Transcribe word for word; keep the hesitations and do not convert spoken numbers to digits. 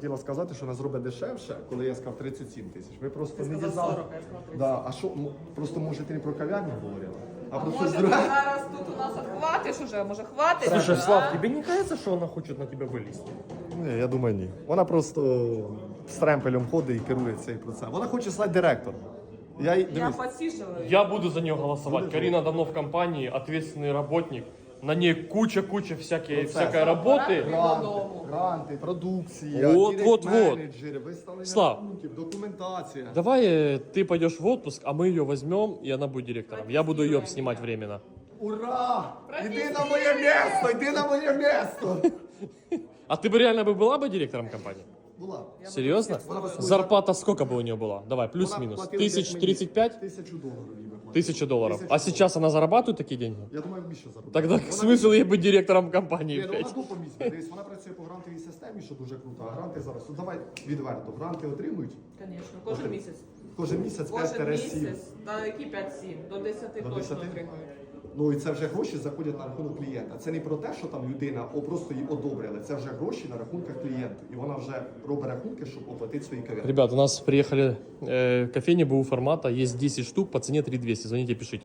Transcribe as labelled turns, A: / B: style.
A: хотіла сказати, що вона зробить дешевше, коли я сказав тридцять сім тисяч. Ви просто
B: Ти
A: не
B: сказав
A: дізнали.
B: сорок, я сказав тридцять.
A: Да, а що, м- просто може ти не про кав'ярню говорила, а,
B: А
A: про
B: може
A: щось
B: ти
A: друге.
B: зараз тут у нас отхватиш уже, може хватить?
C: Слушай,
B: а?
C: Слав, тебе не кажется, что она хочет на тебя вылезти?
A: Ні, я думаю, ні. Вона просто з тремпелем ходить і керує цей процес. Вона хоче стати директором. Я, їй-
B: Я
A: дивись,
B: посиживаю.
C: Я буду за нее голосовать. Карина давно в компании, ответственный работник. На ней куча-куча всякой,
A: Процесс.
C: всякой работы.
A: гранти,
B: додому.
A: гранти, продукція,
C: Вот, вот, вот.
A: менеджери, виставлення
C: Слав.
A: рахунків, документація.
C: Давай э, ты пойдешь в отпуск, а мы ее возьмем, и она будет директором. Я буду ее снимать временно.
A: Ура! Іди на моє місто! Іди на моє місто!
C: А ты бы реально бы была бы директором компании?
A: Була.
C: Серьезно?
A: Вона би свою-
C: Зарплата сколько бы у нее была? Давай,
A: Вона
C: плюс-минус.
A: платила
C: Тысяч
A: десь мені
C: тридцать пять?
A: Тисячу доларів їй би платила.
C: Тысяча долларов.
A: Тисячу
C: А сейчас она зарабатывает такие деньги?
A: Я думаю, більше заробляє.
C: Тогда
A: Вона-
C: смысл ей быть директором компании,
A: Ні, ну, вона
C: блядь?
A: купа місць. Дивись, вона працює по грантовій системі, що дуже круто. А гранти зараз, ну давай відверто, гранти отримують
B: Звісно, кожен місяць.
A: кожен місяць
B: Кожен
A: п'ять сім.
B: місяць, та які п'ять-сім, до десяти
A: До
B: точно
A: десяти?
B: отримують.
A: Ну і це вже гроші заходять на рахунок клієнта. Це не про те, що там людина о, просто її одобрили. Це вже гроші на рахунках клієнта. І вона вже робить рахунки, щоб оплатити свої кав'ярні.
C: Ребят, у нас приехали э, кофейни БУ формата, есть десять штук по цене три двести. Звоните, пишите.